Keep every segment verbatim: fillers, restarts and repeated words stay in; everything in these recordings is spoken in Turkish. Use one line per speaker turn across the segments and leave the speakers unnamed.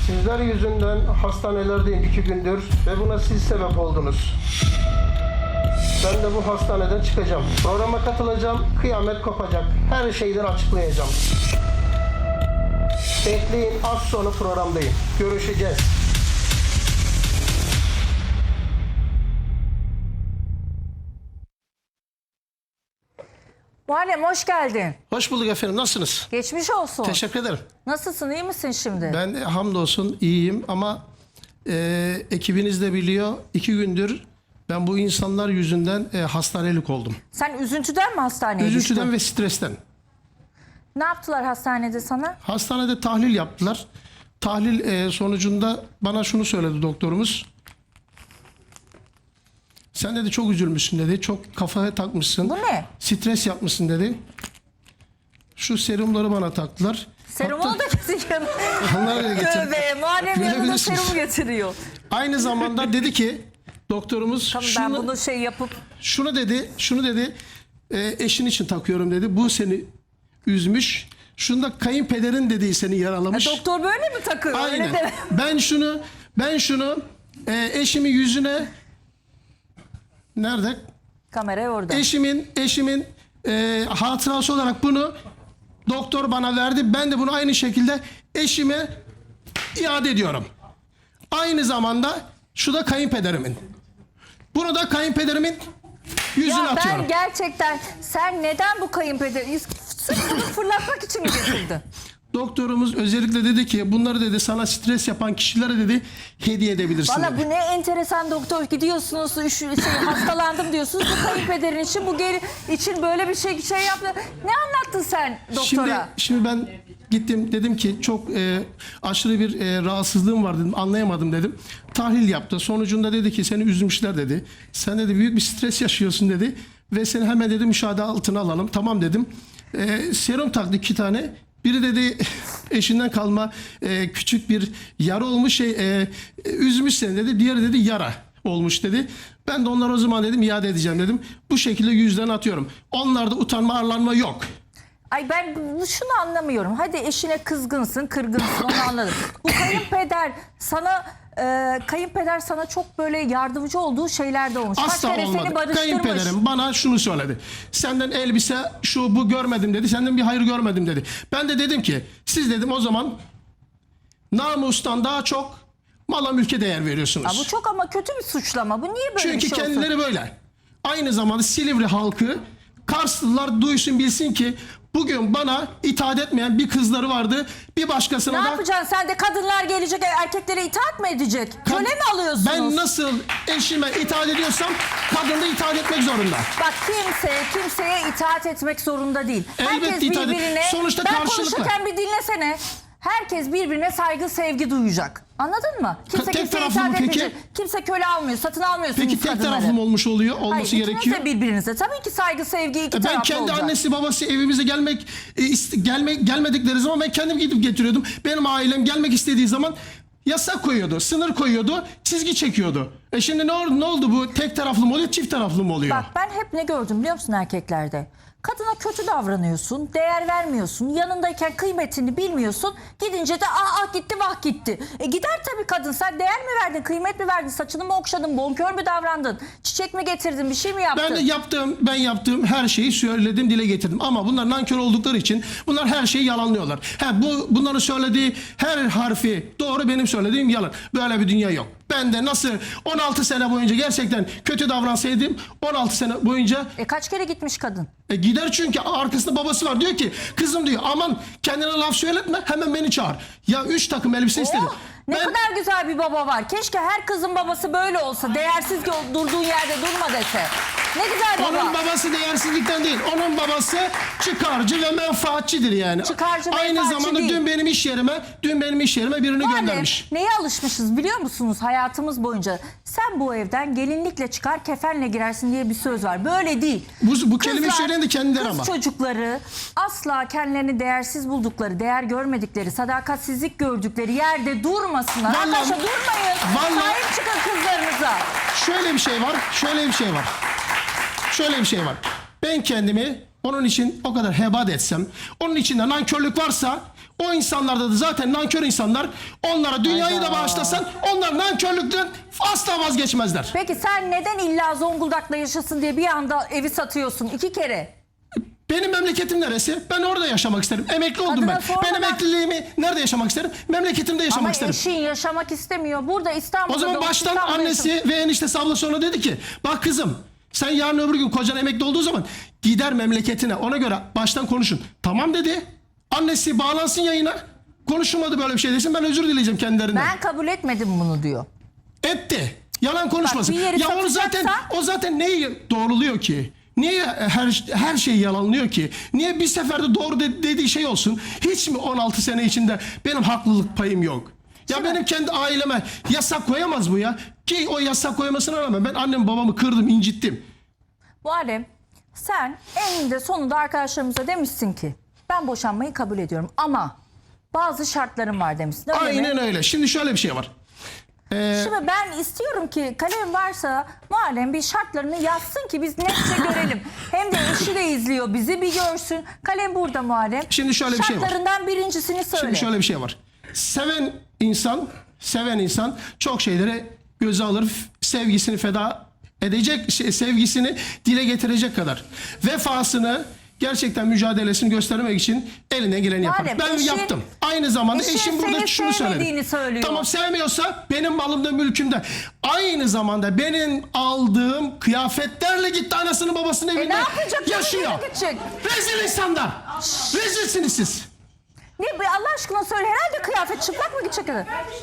Sizler yüzünden hastanelerdeyim iki gündür ve buna siz sebep oldunuz. Ben de bu hastaneden çıkacağım. Programa katılacağım, kıyamet kopacak. Her şeyden açıklayacağım. Bekleyin, az sonra programdayım. Görüşeceğiz.
Muharrem hoş geldin.
Hoş bulduk efendim, nasılsınız?
Geçmiş olsun.
Teşekkür ederim.
Nasılsın, iyi misin şimdi?
Ben hamdolsun iyiyim ama e, ekibiniz de biliyor, iki gündür ben bu insanlar yüzünden e, hastanelik oldum.
Sen üzüntüden mi hastaneye
Üzüntüden
düştün?
ve stresten.
Ne yaptılar hastanede sana?
Hastanede tahlil yaptılar. Tahlil e, sonucunda bana şunu söyledi doktorumuz. Sen dedi çok üzülmüşsün dedi. Çok kafaya takmışsın.
Bu ne?
Stres yapmışsın dedi. Şu serumları bana taktılar.
Serumunu
Hatta-
da getiriyor.
Onları da getir.
Tövbe, Muharrem yanında
Görebilirsiniz.
serum getiriyor.
Aynı zamanda dedi ki doktorumuz
Tamam,
şunu,
ben bunu şey yapıp...
şunu dedi, şunu dedi. E, eşin için takıyorum dedi. Bu seni üzmüş. Şunda kayınpederin dediği seni yaralamış.
Ya doktor böyle mi takıyor? Öyle
Aynen.
deme.
Ben şunu ben şunu e, eşimin yüzüne nerede?
Kamera orada.
Eşimin eşimin e, hatırası olarak bunu doktor bana verdi. Ben de bunu aynı şekilde eşime iade ediyorum. Aynı zamanda şu da kayınpederimin. Bunu da kayınpederimin yüzüne
Ya
atıyorum.
ben gerçekten, sen neden bu kayınpederi sırf bunu fırlatmak için mi getirdin?
Doktorumuz özellikle dedi ki bunları dedi sana stres yapan kişilere dedi hediye edebilirsin
Valla
dedi.
bu ne enteresan doktor, gidiyorsunuz üş, şey, hastalandım diyorsunuz, bu kayınpederin için, bu geri için böyle bir şey şey yaptı. Ne anlattın sen doktora?
Şimdi, şimdi ben gittim dedim ki çok e, aşırı bir e, rahatsızlığım var dedim, anlayamadım dedim. Tahlil yaptı. Sonucunda dedi ki seni üzmüşler dedi. Sen dedi büyük bir stres yaşıyorsun dedi. Ve seni hemen dedi müşahede altına alalım. Tamam dedim. E, serum taktı iki tane. Biri dedi eşinden kalma e, küçük bir yara olmuş şey e, e, üzmüş seni dedi. Diğeri dedi yara olmuş dedi. Ben de onlara o zaman dedim iade edeceğim dedim. Bu şekilde yüzden atıyorum. Onlarda utanma arlanma yok.
Ay ben bu- şunu anlamıyorum. Hadi eşine kızgınsın, kırgınsın, onu anladım. Bu kayınpeder sana e, kayınpeder sana çok böyle yardımcı olduğu şeyler de olmuş. Kaç
Asla
kere
olmadı.
seni barıştırmış.
Kayınpederim bana şunu söyledi. Senden elbise şu bu görmedim dedi. Senden bir hayır görmedim dedi. Ben de dedim ki siz dedim o zaman namustan daha çok mala mülke değer veriyorsunuz.
Ya bu çok ama kötü bir suçlama. Bu niye böyle
Çünkü
bir şey
kendileri
olsun?
böyle. Aynı zamanda Silivri halkı Karslılar duysun bilsin ki bugün bana itaat etmeyen bir kızları vardı. Bir başkasına
Ne
da
yapacaksın? Sen de kadınlar gelecek, erkeklere itaat mı edecek? Köle mi alıyorsunuz?
ben nasıl eşime itaat ediyorsam kadın da itaat etmek zorunda.
Bak kimse kimseye itaat etmek zorunda değil.
Elbette
Herkes
itaat et-
birbirine...
sonuçta
ben
karşılıklı.
konuşurken bir dinlesene. Herkes birbirine saygı, sevgi duyacak. Anladın mı? Kimse
Tek
kimseye
taraflı
itaat
mı peki?
etmeyecek. Kimse köle almıyor, satın almıyorsunuz
Peki tek
kadınları.
taraflı mı olmuş oluyor? Olması
Hayır, ikiniz
gerekiyor.
de birbirinize. Tabii ki saygı, sevgi iki
Ben
taraflı
kendi
olacak.
annesi babası evimize gelmek e, iste- gelme, gelmedikleri zaman ben kendim gidip getiriyordum. Benim ailem gelmek istediği zaman yasak koyuyordu, sınır koyuyordu, çizgi çekiyordu. E şimdi ne oldu, ne oldu bu? Tek taraflı mı oluyor, çift taraflı mı oluyor?
Bak ben hep ne gördüm biliyor musun erkeklerde? Kadına kötü davranıyorsun, değer vermiyorsun, yanındayken kıymetini bilmiyorsun. Gidince de ah ah gitti vah gitti. E gider tabii kadın, sen değer mi verdin, kıymet mi verdin, saçını mı okşadın, bonkör mü davrandın, çiçek mi getirdin, bir şey mi yaptın?
Ben de yaptığım, ben yaptığım her şeyi söyledim, dile getirdim. Ama bunlar nankör oldukları için bunlar her şeyi yalanlıyorlar. Ha, bu bunların söylediği her harfi doğru, benim söylediğim yalan. Böyle bir dünya yok. Ben de nasıl on altı sene boyunca gerçekten kötü davransaydım on altı sene boyunca
E kaç kere gitmiş kadın?
e, gider çünkü arkasında babası var. Diyor ki kızım diyor aman kendine laf söyletme, hemen beni çağır. Ya üç takım elbise istedi.
Oh, ne
Ben-
kadar güzel bir baba var. Keşke her kızın babası böyle olsa. Değersiz gö- durduğun yerde durma dese. Ne güzel baba.
Onun babası değersizlikten değil. Onun babası çıkarcı ve menfaatçidir yani.
Çıkarcı,
Aynı
menfaatçi
zamanda
değil.
dün benim iş yerime, dün benim iş yerime birini
Yani
göndermiş.
neye alışmışız biliyor musunuz hayatımız boyunca? Sen bu evden gelinlikle çıkar, kefenle girersin diye bir söz var. Böyle değil.
Bu, bu kelimeyi
Kızlar,
söyleyen de kendileri
kız
ama.
çocukları asla kendilerini değersiz buldukları, değer görmedikleri, sadakatsizlik gördükleri yerde durmasınlar.
Vallahi-
Arkadaşlar durmayın.
vallahi-
Sahip çıkın kızlarınıza.
Şöyle bir şey var, şöyle bir şey var. Şöyle bir şey var. Ben kendimi onun için o kadar hebat etsem, onun içinde nankörlük varsa O insanlarda da zaten nankör insanlar. Onlara dünyayı da
Hayda.
bağışlasan onlar nankörlükten asla vazgeçmezler.
Peki sen neden illa Zonguldak'ta yaşasın diye bir anda evi satıyorsun iki kere?
Benim memleketim neresi? Ben orada yaşamak isterim. Emekli oldum
Kadına
ben.
sormadan-
Ben emekliliğimi nerede yaşamak isterim? Memleketimde yaşamak
Ama
isterim.
eşin yaşamak istemiyor. Burada İstanbul'da
O zaman
doğup
baştan
İstanbul'da
annesi
yaşamak-
ve eniştesi ablası ona dedi ki bak kızım sen yarın öbür gün kocan emekli olduğu zaman gider memleketine, ona göre baştan konuşun. Tamam dedi. Annesi bağlansın yayına. Konuşulmadı böyle bir şey desin, ben özür dileyeceğim kendilerinden.
Ben kabul etmedim bunu diyor.
Etti. Yalan konuşmasın.
bir yeri
Ya onu zaten
satacaksa-
o zaten neyi doğruluyor ki? Niye her her şeyi yalanlıyor ki? Niye bir seferde doğru de- dediği şey olsun? Hiç mi on altı sene içinde benim haklılık payım yok? Ya
Şimdi-
benim kendi aileme yasak koyamaz bu ya. Ki o yasak koymasına rağmen ben annem babamı kırdım, incittim.
Muharrem, sen eninde sonunda arkadaşlarımıza demişsin ki ben boşanmayı kabul ediyorum ama bazı şartlarım var demişsin. Öyle
Aynen
mi?
öyle. Şimdi şöyle bir şey var. Ee,
Şimdi ben istiyorum ki kalem varsa Muharrem bir şartlarını yazsın ki biz netçe görelim. Hem de eşi de izliyor bizi, bir görsün. Kalem burada Muharrem.
Şimdi şöyle bir şey var.
Şartlarından birincisini söyle.
Şimdi şöyle bir şey var. Seven insan, seven insan çok şeyleri göze alır, f- sevgisini feda edecek, şey, sevgisini dile getirecek kadar. Vefasını, gerçekten mücadelesini göstermek için elinden geleni yapar.
Madem
Ben
eşin-
yaptım. Aynı zamanda
eşin
eşim burada
seni
şunu söyledi.
sevmediğini söylüyor.
Tamam, sevmiyorsa benim malımda, mülkümde. Aynı zamanda benim aldığım kıyafetlerle gitti anasını babasının evinde
E ne yapacak?
yaşıyor.
Nereye gidecek?
Rezil insanlar. Rezilsiniz siz.
Ne be, Allah aşkına söyle, herhalde kıyafet çıplak mı gidecek?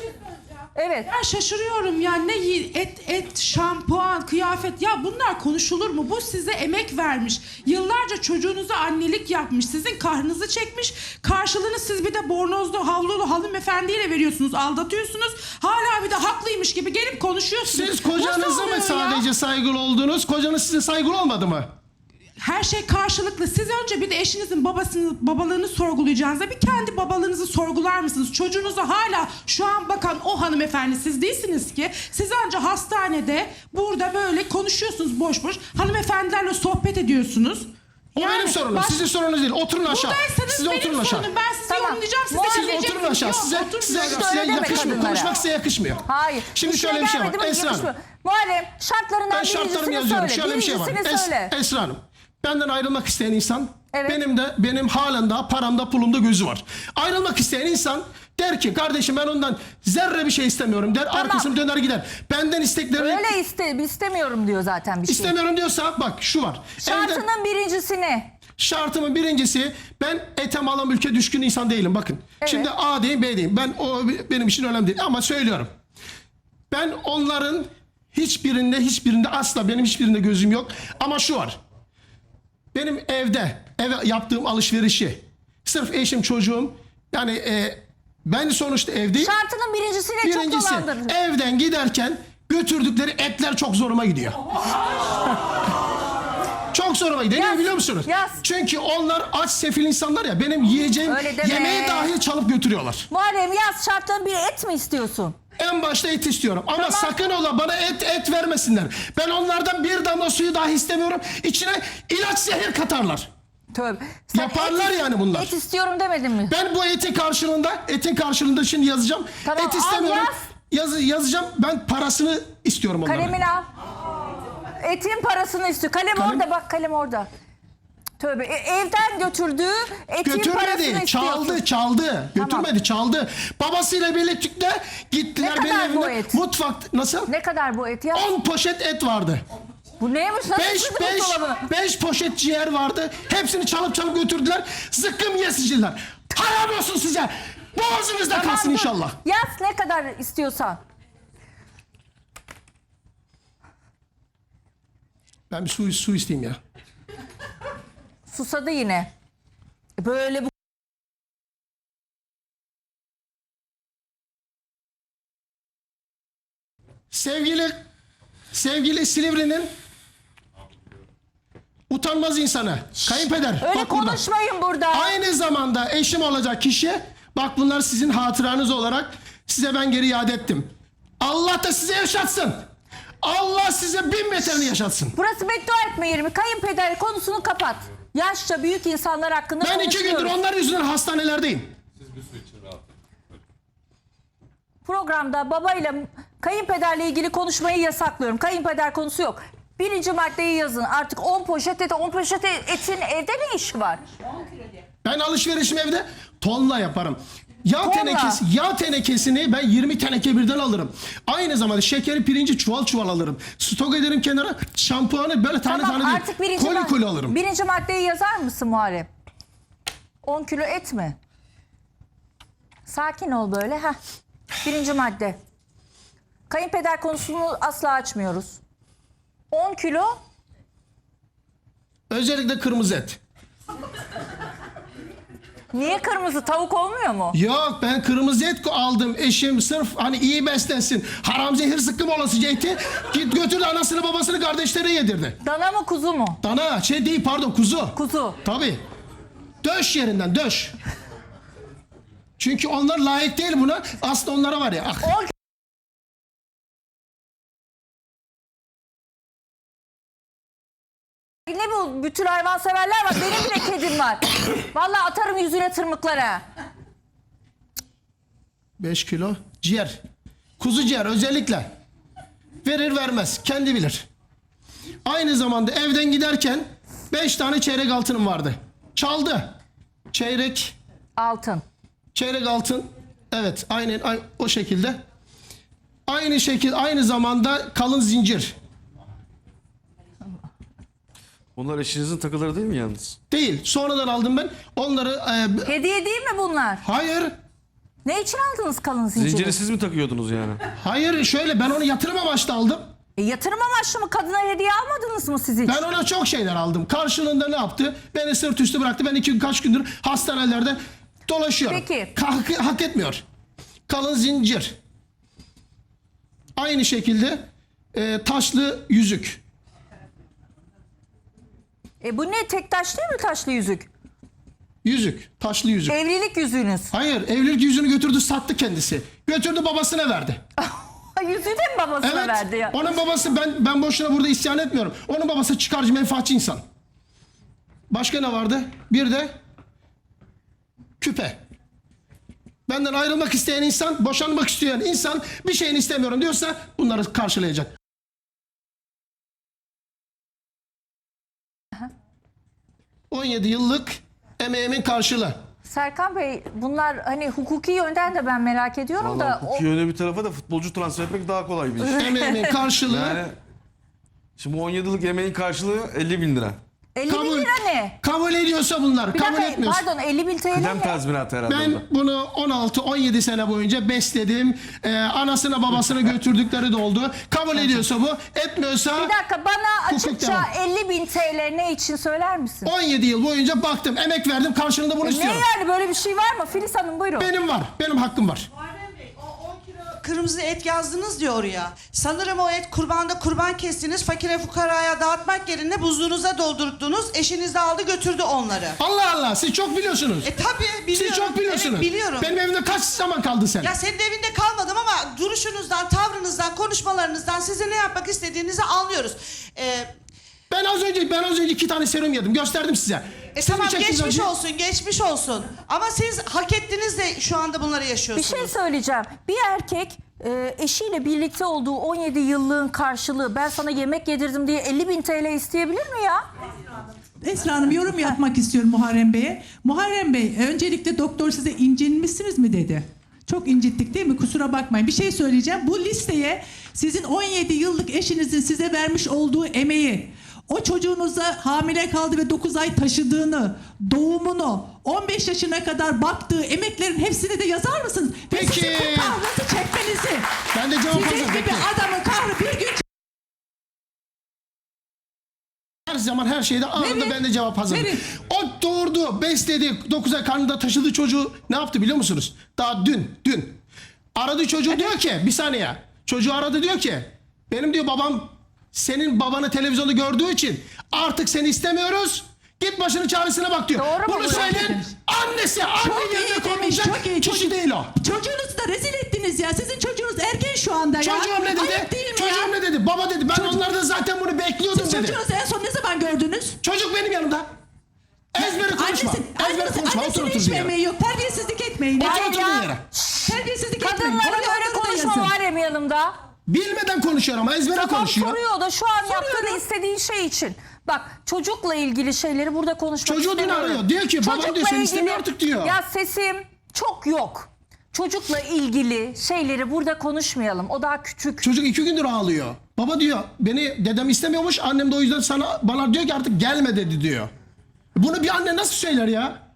Evet.
Ben şaşırıyorum ya, ne yi- et et şampuan kıyafet, ya bunlar konuşulur mu? Bu size emek vermiş, yıllarca çocuğunuza annelik yapmış, sizin kahrınızı çekmiş, karşılığını siz bir de bornozlu havlulu hanımefendiyle veriyorsunuz, aldatıyorsunuz, hala bir de haklıymış gibi gelip konuşuyorsunuz.
Siz kocanıza
Nasıl
mı
oluyor ya?
sadece saygılı oldunuz? Kocanız size saygılı olmadı mı?
Her şey karşılıklı. Siz önce bir de eşinizin babasını, babalığını sorgulayacağınızda bir kendi babalığınızı sorgular mısınız? Çocuğunuza hala şu an bakan o hanımefendi siz değilsiniz ki. Siz önce hastanede burada böyle konuşuyorsunuz boş boş. Hanımefendilerle sohbet ediyorsunuz.
O
Yani
benim sorunum.
baş-
Sizin sorunuz değil. Oturun aşağı.
Buradaysanız
Siz
benim
oturun aşağı.
sorunum. Ben sizi
Tamam.
yorumlayacağım. Siz de
Muharrem-
Siz
dinleyeceksiniz.
oturun aşağı.
Yok,
Size, size,
oturmuyorum.
size
Söyle deme
yakışmıyor.
kadınlara.
Konuşmak size yakışmıyor.
Hayır.
Şimdi
İşine
şöyle bir şey var.
gelmedi mi
Esra Hanım.
yakışmıyor. Muharrem, şartlarından
Ben şartlarımı
birincisini
yazıyorum.
söyle.
Şöyle bir şey var.
Birincisini
Es,
söyle.
Esra Hanım. Benden ayrılmak isteyen insan,
Evet.
benim de benim halen daha paramda pulumda gözü var. Ayrılmak isteyen insan der ki kardeşim ben ondan zerre bir şey istemiyorum der. Arkasını döner gider. Benden isteklerini
Öyle iste, istemiyorum diyor zaten bir şey.
istemiyorum diyorsa bak şu var. Evde-
Şartının birincisini.
Şartımın birincisi, ben ete mala mülke düşkün insan değilim bakın.
Evet.
Şimdi A diyeyim B diyeyim. Ben o benim için önemli değil ama söylüyorum. Ben onların hiçbirinde hiçbirinde asla benim hiçbirinde gözüm yok. Ama şu var. Benim evde eve yaptığım alışverişi sırf eşim çocuğum yani e, ben sonuçta evdeyim.
Şartının birincisine çok
Birincisi
dolandırır.
evden giderken götürdükleri etler çok zoruma gidiyor. Çok zoruma gidiyor. Niye
Yaz,
biliyor musunuz?
yaz.
Çünkü onlar aç sefil insanlar ya, benim yiyeceğim
Öyle deme.
yemeği dahil çalıp götürüyorlar.
Muharrem, yaz şartların biri, et mi istiyorsun?
En başta et istiyorum ama
Tamam.
sakın ola bana et et vermesinler. Ben onlardan bir damla suyu dahi istemiyorum. İçine ilaç zehir katarlar.
Tövbe. Sen
Yaparlar
et,
yani bunlar.
Et istiyorum demedin mi?
Ben bu etin karşılığında, etin karşılığında şimdi yazacağım.
Tamam,
et
al
istemiyorum.
yaz.
Yaz, yazacağım. Ben parasını istiyorum onların.
Kalemini al. Etin parasını istiyor. Kalem,
Kalem-
orada bak, kalem orada. Tövbe. E, evden götürdüğü etin parasını
Götürmedi,
istiyorsun.
çaldı, çaldı. Götürmedi, çaldı. Babasıyla birlikte gittiler
Ne
benim
kadar bu
evimde.
et?
Mutfak nasıl?
Ne kadar bu et ya?
on poşet et vardı.
Bu neymiş? Nasıl
beş
sığdı
beş
buzdolabına?
beş poşet ciğer vardı. Hepsini çalıp çalıp götürdüler. Zıkkım yesiciler. Haram olsun size. Boğazınızda
Tamam,
kalsın
dur.
inşallah.
Yaz ne kadar istiyorsan.
Ben bir su, su isteyeyim ya.
Susadı yine. Böyle bu.
Sevgili sevgili Silivri'nin utanmaz insanı. Kayınpeder.
Öyle
bak burada.
konuşmayın burada.
Aynı zamanda eşim olacak kişi. Bak bunlar sizin hatıranız olarak size ben geri iade ettim. Allah da size yaşatsın. Allah size bin beterini yaşatsın.
Burası beddua etme yeri mi? Kayınpeder konusunu kapat. Yaşça büyük insanlar hakkında
Ben iki gündür
konuşuyoruz.
onlar yüzünden hastanelerdeyim.
Programda babayla kayınpederle ilgili konuşmayı yasaklıyorum. Kayınpeder konusu yok. Birinci maddeyi yazın. Artık on poşet et, on poşet etin evde ne işi var?
Ben alışverişimi evde tonla yaparım. Yağ
Tonla.
tenekesi, yağ tenekesini ben yirmi teneke birden alırım. Aynı zamanda şekeri, pirinci çuval çuval alırım. Stok ederim kenara. Şampuanı böyle tane
Tamam,
tane
artık
değil.
birinci,
Koli
mad-
koli alırım.
birinci maddeyi yazar mısın Muharrem? on kilo et mi? Sakin ol böyle. Heh. Birinci madde. Kayınpeder konusunu asla açmıyoruz. on kilo
Özellikle kırmızı et.
niye kırmızı tavuk olmuyor mu?
Yok, ben kırmızı et aldım. Eşim sırf hani iyi beslensin. Haram zehir sıkkım olasıca eti. Git götürdü anasını babasını kardeşlerine yedirdi.
Dana mı kuzu mu?
Dana şey değil pardon kuzu.
Kuzu.
Tabii. Döş yerinden döş. Çünkü onlar layık değil buna. Aslında onlara var ya. Ah.
on Ne bu bütün hayvanseverler var. Benim bile kedim var. Vallahi atarım yüzüne tırmıklara.
beş kilo ciğer. Kuzu ciğer özellikle. Verir vermez. Kendi bilir. Aynı zamanda evden giderken beş tane çeyrek altınım vardı. Çaldı. Çeyrek
Altın.
çeyrek altın. Evet aynen ay- o şekilde. Aynı şekil aynı zamanda kalın zincir.
Bunlar eşinizin takıları değil mi yalnız?
Değil. Sonradan aldım ben. Onları e,
Hediye değil mi bunlar?
hayır.
Ne için aldınız kalın zinciri?
Zinciri siz mi takıyordunuz yani?
Hayır şöyle ben onu yatırım amaçlı aldım.
E, yatırım amaçlı mı? Kadına hediye almadınız mı siz hiç?
Ben ona çok şeyler aldım. Karşılığında ne yaptı? Beni sırt üstü bıraktı. Ben iki kaç gündür hastanelerde dolaşıyorum.
Peki.
Hak, hak etmiyor. Kalın zincir. Aynı şekilde e, taşlı yüzük.
E, bu ne? Tek taş değil mi taşlı yüzük?
Yüzük. Taşlı yüzük.
Evlilik yüzüğünüz.
Hayır. Evlilik yüzüğünü götürdü sattı kendisi. Götürdü babasına verdi.
Yüzüğü de mi babasına
Evet.
verdi ya?
Onun babası ben ben boşuna burada isyan etmiyorum. Onun babası çıkarcı menfaatçi insan. Başka ne vardı? Bir de küpe. Benden ayrılmak isteyen insan, boşanmak isteyen insan bir şeyini istemiyorum diyorsa bunları karşılayacak. on yedi yıllık emeğimin karşılığı.
Serkan Bey bunlar hani hukuki yönden de ben merak ediyorum da
Vallahi
o,
hukuki yöne bir tarafa da futbolcu transfer etmek daha kolay bir iş.
Emeğimin karşılığı
Yani şimdi on yedi yıllık emeğin karşılığı elli bin lira.
elli bin
kabul,
lira ne?
kabul ediyorsa bunlar,
Bir
kabul
dakika
etmiyorsa.
pardon elli bin T L
Kıdem
ne?
tazminatı herhalde
Ben
orada.
bunu on altı on yedi sene boyunca besledim. Ee, anasına babasına götürdükleri de oldu. Kabul ediyorsa bu, etmiyorsa
Bir dakika bana
Hukuk
açıkça
devam.
elli bin T L ne için söyler misin?
on yedi yıl boyunca baktım, emek verdim, karşılığında bunu
Ne
istiyorum.
yani böyle bir şey var mı? Filiz Hanım buyurun.
Benim var, benim hakkım var.
Kırmızı et yazdınız diyor oraya. Sanırım o et kurbanda kurban kestiniz. Fakire fukaraya dağıtmak yerine buzluğunuza doldurdunuz. Eşiniz de aldı götürdü onları.
Allah Allah, siz çok biliyorsunuz.
E tabii biliyorum.
Siz çok biliyorsunuz.
Evet biliyorum.
Benim evimde kaç zaman kaldın sen?
Ya senin evinde kalmadım ama duruşunuzdan, tavrınızdan, konuşmalarınızdan size ne yapmak istediğinizi anlıyoruz. Ee,
Ben az önce ben az önce iki tane serum yedim, gösterdim size.
e
Siz mi
tamam
çektiniz
geçmiş
acıyı?
olsun, geçmiş olsun. Ama siz hak ettiniz de şu anda bunları
Bir
yaşıyorsunuz.
şey söyleyeceğim. Bir erkek e, eşiyle birlikte olduğu on yedi yıllığın karşılığı ben sana yemek yedirdim diye elli bin T L isteyebilir mi ya?
Esra Hanım yorum yapmak istiyorum Muharrem Bey'e. Muharrem Bey öncelikle doktor size incinmişsiniz mi dedi. Çok incittik değil mi? Kusura bakmayın. Bir şey söyleyeceğim. Bu listeye sizin on yedi yıllık eşinizin size vermiş olduğu emeği, o çocuğunuza hamile kaldı ve dokuz ay taşıdığını, doğumunu, on beş yaşına kadar baktığı emeklerin hepsini de yazar mısınız? Ve
Peki.
sizin bu kahrınızı çekmenizi.
Ben de cevap
Sizin
hazırım,
gibi
bekle.
adamın kahrı bir gün
Her zaman her şeyde anında
Verin.
ben de cevap hazırım.
Verin.
O doğurdu, besledi, dokuz ay karnında taşıdı çocuğu. Ne yaptı biliyor musunuz? Daha dün, dün. Aradı çocuğu diyor ki, bir saniye. Çocuğu aradı diyor ki, benim diyor babam senin babanı televizyonda gördüğü için artık seni istemiyoruz. Git başının çaresine bak diyor.
Doğru mu
Bunu
bu?
söyleyen annesi, anne
Çok
yerine
iyi demiş,
konulacak
çok iyi.
kişi değil o.
Çocuğunuzu da rezil ettiniz ya. Sizin çocuğunuz erken şu anda ya.
Çocuğum ne dedi?
Ayıp değil mi
Çocuğum
ya?
ne dedi? Baba dedi. Ben
Çocuk-
onlardan zaten bunu bekliyordum
Siz
dedi.
çocuğunuzu en son ne zaman gördünüz?
Çocuk benim yanımda. Ezbere konuşma.
Annesi,
Ezbere
annesi,
konuşma. Otur
annesinin
otur
hiç
diye.
emeği yok. Terbiyesizlik etmeyin.
Otur
Hayır
oturduğun
ya.
yere.
Terbiyesizlik etmeyin.
Kadınlara
Oralardan
göre
da
konuşma
yazın.
Muharrem yanımda.
Bilmeden konuşuyor ama ezbere
Tamam
konuşuyor.
soruyor da şu an yaptığını istediğin şey için. Bak çocukla ilgili şeyleri burada konuşmak
Çocuğu dün
istemiyorum.
arıyor. Diyor ki, babam
Çocukla
diyor, seni
ilgili-
istemiyor artık diyor.
Ya sesim çok yok. Çocukla ilgili şeyleri burada konuşmayalım. O daha küçük.
Çocuk iki gündür ağlıyor. Baba diyor beni dedem istemiyormuş. Annem de o yüzden sana bana diyor ki artık gelme dedi diyor. Bunu bir anne nasıl söyler ya?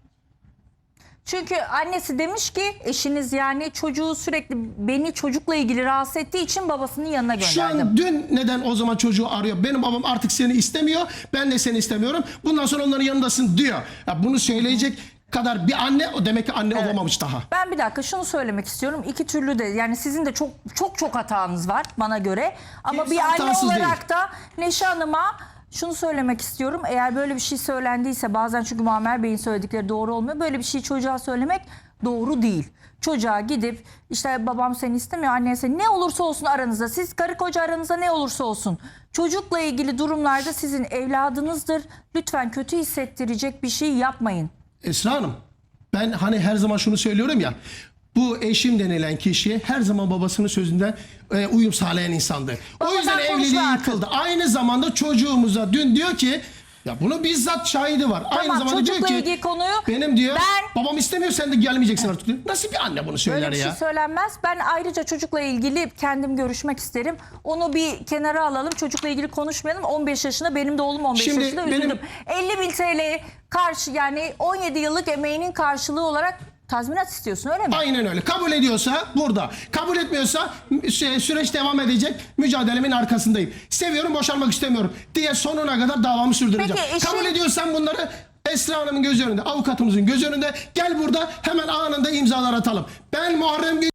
Çünkü annesi demiş ki eşiniz yani çocuğu sürekli beni çocukla ilgili rahatsız ettiği için babasının yanına
Şu
gönderdim.
an dün neden o zaman çocuğu arıyor? Benim babam artık seni istemiyor. Ben de seni istemiyorum. Bundan sonra onların yanındasın diyor. Ya bunu söyleyecek kadar bir anne o demek ki anne olamamış daha.
Ben bir dakika şunu söylemek istiyorum. İki türlü de yani sizin de çok çok çok hatanız var bana göre. Ama
Kimse
bir anne
hatasız
olarak da Neşe Hanım'a şunu söylemek istiyorum. Eğer böyle bir şey söylendiyse bazen çünkü Muammer Bey'in söyledikleri doğru olmuyor. Böyle bir şeyi çocuğa söylemek doğru değil. Çocuğa gidip işte babam seni istemiyor, annen seni ne olursa olsun aranızda. Siz karı koca aranızda ne olursa olsun. Çocukla ilgili durumlarda sizin evladınızdır. Lütfen kötü hissettirecek bir şey yapmayın.
Esra Hanım, ben hani her zaman şunu söylüyorum ya. Bu eşim denilen kişi her zaman babasının sözünden e, uyum sağlayan insandı. O
Babadan
yüzden
konuşma
evliliği
artık.
yıkıldı. Aynı zamanda çocuğumuza dün diyor ki ya bunu bizzat şahidi var. Aynı
Tamam,
zamanda diyor
çocukla
ki
ilgili konuyu
benim diyor
ben-
babam istemiyor sen de gelmeyeceksin artık diyor. Nasıl bir anne bunu söyler
Böyle bir
ya?
şey söylenmez. Ben ayrıca çocukla ilgili kendim görüşmek isterim. Onu bir kenara alalım. Çocukla ilgili konuşmayalım. on beş yaşında benim de oğlum on beş
Şimdi
yaşında
benim-
üzüldüm. elli bin T L karşı yani on yedi yıllık emeğinin karşılığı olarak tazminat istiyorsun öyle mi?
Aynen öyle. Kabul ediyorsa burada. Kabul etmiyorsa sü- süreç devam edecek. Mücadelemin arkasındayım. Seviyorum, boşanmak istemiyorum diye sonuna kadar davamı sürdüreceğim.
Peki, eşin-
Kabul ediyorsan bunları Esra Hanım'ın göz önünde, avukatımızın göz önünde gel burada hemen anında imzalar atalım. Ben Muharrem Gül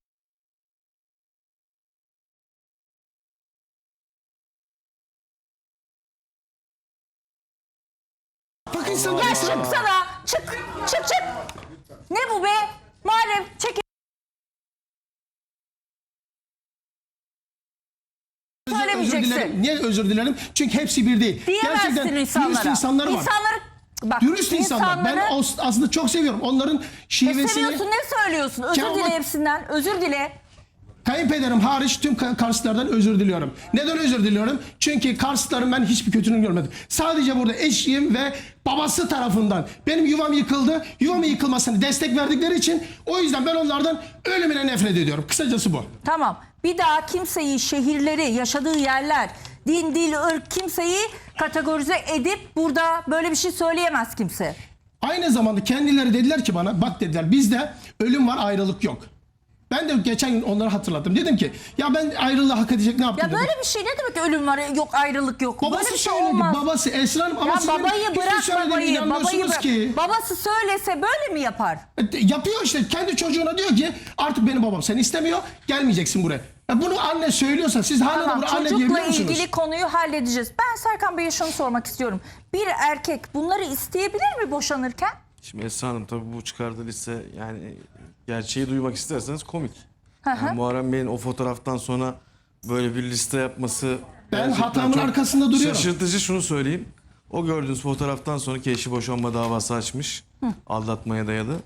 Bak insanlar
Ya çıksana. Çık. Çık çık. Ne bu be? Muharrem çekil.
özür
Söylemeyeceksin.
dilerim. Niye özür dilerim? Çünkü hepsi bir değil.
Diyemezsin
Gerçekten
insanlara.
dürüst insanları var.
İnsanları bak.
Dürüst insanlar. Ben
insanları-
os- aslında çok seviyorum. Onların
Ne
şivesini...
seviyorsun ne söylüyorsun? Özür
Ya
dile
bak-
hepsinden. Özür dile.
Kayınpederim hariç tüm Ka- Karslılardan özür diliyorum. Neden özür diliyorum? Çünkü Karslıların ben hiçbir kötülüğünü görmedim. Sadece burada eşim ve babası tarafından benim yuvam yıkıldı. Yuvamın yıkılmasını destek verdikleri için o yüzden ben onlardan ölümüne nefret ediyorum. Kısacası bu.
Tamam. Bir daha kimseyi, şehirleri, yaşadığı yerler, din, dil, ırk kimseyi kategorize edip burada böyle bir şey söyleyemez kimse.
Aynı zamanda kendileri dediler ki bana bak dediler bizde ölüm var ayrılık yok. Ben de geçen gün onları hatırlattım. Dedim ki ya ben ayrılığı hak edecek ne yaptım
Ya
dedim.
böyle bir şey ne demek ölüm var yok ayrılık yok.
Babası
böyle bir şey
söyledi.
olmaz.
Babası Esra Hanım ama
Ya
sizin
babayı
hiçbir
bırak
söylediğine
babayı. Babayı
inanmıyorsunuz
bırak.
ki.
Babası söylese böyle mi yapar?
E, Yapıyor işte kendi çocuğuna diyor ki artık benim babam seni istemiyor gelmeyeceksin buraya. Ya bunu anne söylüyorsa siz hala da
Tamam,
buraya anne
çocukla
diyebiliyor musunuz?
ilgili konuyu halledeceğiz. Ben Serkan Bey'e şunu sormak istiyorum. Bir erkek bunları isteyebilir mi boşanırken?
Şimdi Esra Hanım tabii bu çıkardığı liste yani gerçeği duymak isterseniz komik.
Hı hı.
Yani Muharrem Bey'in o fotoğraftan sonra böyle bir liste yapması
Ben
gerçekten
hatamın
çok
arkasında duruyorum.
Şaşırtıcı şunu söyleyeyim. O gördüğünüz fotoğraftan sonra ki eşi boşanma davası açmış. Aldatmaya dayalı.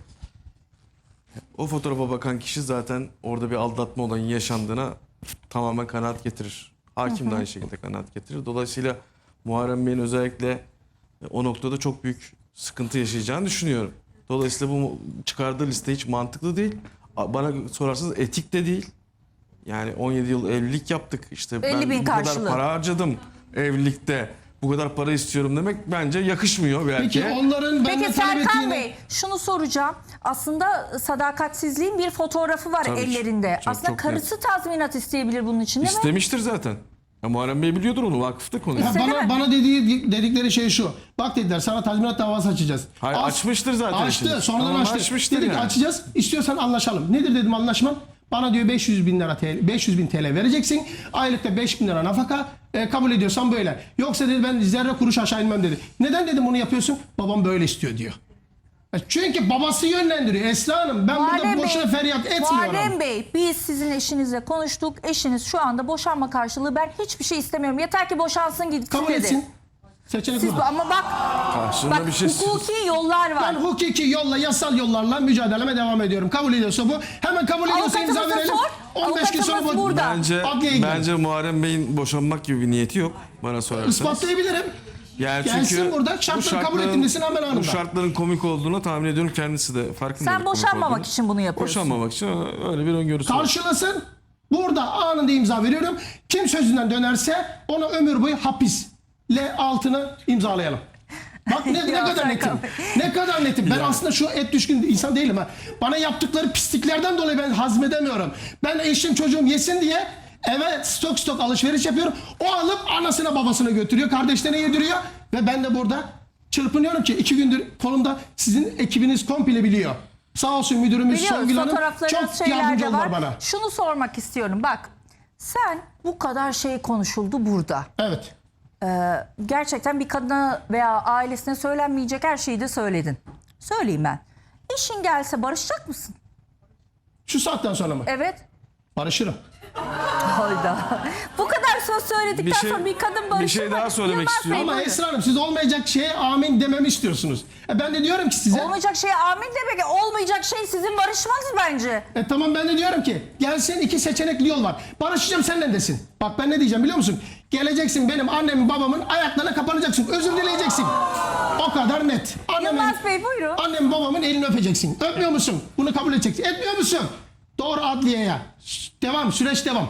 O fotoğrafa bakan kişi zaten orada bir aldatma olayının yaşandığına tamamen kanaat getirir. Hakim de aynı şekilde kanaat getirir. Dolayısıyla Muharrem Bey'in özellikle o noktada çok büyük sıkıntı yaşayacağını düşünüyorum. Dolayısıyla bu çıkardığı liste hiç mantıklı değil. Bana sorarsanız etik de değil. Yani on yedi yıl evlilik yaptık. İşte
elli
ben
bin
bu
karşılığı.
kadar para harcadım evlilikte. Bu kadar para istiyorum demek bence yakışmıyor bir
Peki
erkeğe.
onların
Peki
benden talep
Serkan
ettiğini...
Bey şunu soracağım. Aslında sadakatsizliğin bir fotoğrafı var
Tabii ki.
ellerinde.
Çok,
Aslında
çok
karısı tazminat isteyebilir bunun için değil mi?
İstemiştir zaten. Ya Muharrem Bey biliyordur onu vakıfta konuyu.
Ya
İstedi
bana,
mi?
bana dediği, dedikleri şey şu. Bak dediler sana tazminat davası açacağız.
Hayır,
As-
açmıştır zaten
Açtı
şimdi.
sonradan
Tamam,
açtı.
açmıştır
Dedik
yani.
açacağız istiyorsan anlaşalım. Nedir dedim anlaşmam? Bana diyor beş yüz bin lira T L, beş yüz bin T L vereceksin. Aylıkta beş bin lira nafaka. E, kabul ediyorsan böyle. Yoksa dedi ben zerre kuruş aşağı inmem dedi. Neden dedim bunu yapıyorsun? Babam böyle istiyor diyor. E, Çünkü babası yönlendiriyor Esra Hanım. Ben
Muharrem
burada boşuna
Bey,
feryat etmiyorum.
Muharrem Bey biz sizin eşinizle konuştuk. Eşiniz şu anda boşanma karşılığı ben hiçbir şey istemiyorum. Yeter ki boşansın gitsin
Kabul
dedi.
etsin. Seçenek
Siz,
burada.
ama bak,
Karşılığında
bak
bir şey
hukuki yollar var.
Ben hukuki yolla, yasal yollarla mücadeleme devam ediyorum. Kabul ediyorsa bu. Hemen kabul ediyorsa imza
Avukatımıza
verelim.
sor.
on beş gün sonra
Avukatımız
bu
burada.
Bence,
adliyeye gidelim.
bence Muharrem Bey'in boşanmak gibi bir niyeti yok bana sorarsanız.
İspatlayabilirim.
Yani
Gelsin
çünkü
burada,
bu
şartları kabul
şartların-
ettiğindesin hemen anında.
Bu şartların komik olduğunu tahmin ediyorum, kendisi de farkında.
Sen boşanmamak için bunu yapıyorsun.
Boşanmamak için öyle bir öngörüsü var.
Karşılasın. Burada anında imza veriyorum. Kim sözünden dönerse ona ömür boyu hapisle altını imzalayalım. Bak ne, ne
Ya
kadar
Serkan
netim.
Bey.
Ne kadar netim. Ben aslında şu et düşkün insan değilim ha. Bana yaptıkları pisliklerden dolayı ben hazmedemiyorum. Ben eşim çocuğum yesin diye eve stok stok alışveriş yapıyorum. O alıp anasına babasına götürüyor. Kardeşlerine yediriyor. Ve ben de burada çırpınıyorum ki iki gündür kolumda sizin ekibiniz komple biliyor. Sağ olsun müdürümüz
Biliyoruz,
Songül Hanım
fotoğraflarınız
çok
şeyler
yardımcı
de
oldular
var.
bana.
Şunu sormak istiyorum. Bak, sen bu kadar şey konuşuldu burada.
Evet.
Gerçekten bir kadına veya ailesine söylenmeyecek her şeyi de söyledin. Söyleyeyim ben. Eşin gelse barışacak mısın?
Şu saatten sonra mı?
Evet.
Barışırım.
Hayda. Bu kadar söz söyledikten
Bir şey-
sonra bir kadın barışır
bir şey
mı?
daha söylemek
Yılmaz
istiyorum.
Bey,
Ama
buyurun.
Esra Hanım siz olmayacak şeye amin dememi istiyorsunuz. E ben de diyorum ki size.
Olmayacak şeye amin demek. Olmayacak şey sizin barışmanız bence.
E tamam ben de diyorum ki gelsin iki seçenekli yol var. Barışacağım seninle desin. Bak ben ne diyeceğim biliyor musun? Geleceksin benim annemin babamın ayaklarına kapanacaksın. Özür dileyeceksin. O kadar net. Annemin,
Yılmaz Bey, buyurun.
Annemin babamın elini öpeceksin. Öpmüyor musun? Bunu kabul edeceksin. Etmiyor musun? Doğru adliyeye. Şşt, devam süreç devam.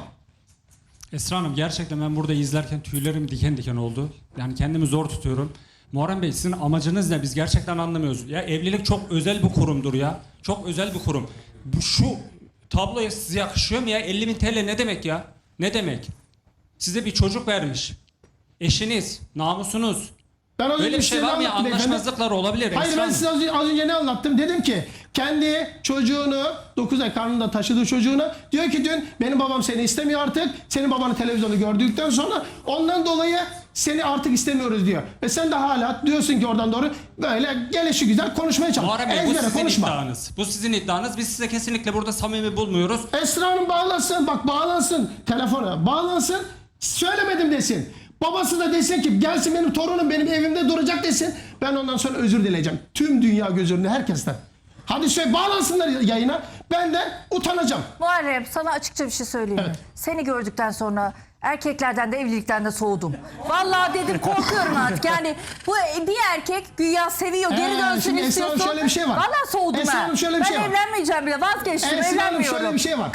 Esra Hanım, gerçekten ben burada izlerken tüylerim diken diken oldu. Yani kendimi zor tutuyorum. Muharrem Bey, sizin amacınız ne? Biz gerçekten anlamıyoruz. Ya evlilik çok özel bir kurumdur ya. Çok özel bir kurum. Bu şu tabloya size yakışıyor mu ya? elli bin T L ne demek ya? Ne demek? Size bir çocuk vermiş. Eşiniz, namusunuz.
Ben az
Böyle
önce
bir şey
size
var mı ya?
anlattım beyefendi.
Anlaşmazlıklar olabilir.
Hayır
Esra
ben
Hanım.
size az önce, az önce ne anlattım? Dedim ki kendi çocuğunu dokuz ay karnında taşıdığı çocuğunu diyor ki dün benim babam seni istemiyor artık. Senin babanı televizyonda gördükten sonra ondan dolayı seni artık istemiyoruz diyor. Ve sen de hala diyorsun ki oradan doğru böyle gelişi güzel konuşmaya çalış.
Muharrem Bey, bu
Ezbere
sizin
konuşma.
iddianız. Bu sizin iddianız. Biz size kesinlikle burada samimi bulmuyoruz.
Esra Hanım bağlansın bak bağlansın telefona bağlansın söylemedim desin. Babası da desin ki gelsin benim torunum benim evimde duracak desin. Ben ondan sonra özür dileyeceğim. Tüm dünya göz önünde herkesten. Hadi söyle bağlansınlar yayına. Ben de utanacağım.
Muharrem, sana açıkça bir şey söyleyeyim mi?
Evet.
Seni gördükten sonra erkeklerden de evlilikten de soğudum. Vallahi dedim korkuyorum artık. Yani bu bir erkek güya seviyor, geri
Ee,
dönsün
şimdi Esra Hanım
istiyorsun.
şöyle bir şey var.
Vallahi soğudum
Esra
ha.
Hanım şöyle bir
ben
şey var.
evlenmeyeceğim bile, vazgeçtim,
Esra Hanım
evlenmiyorum.
şöyle bir şey var.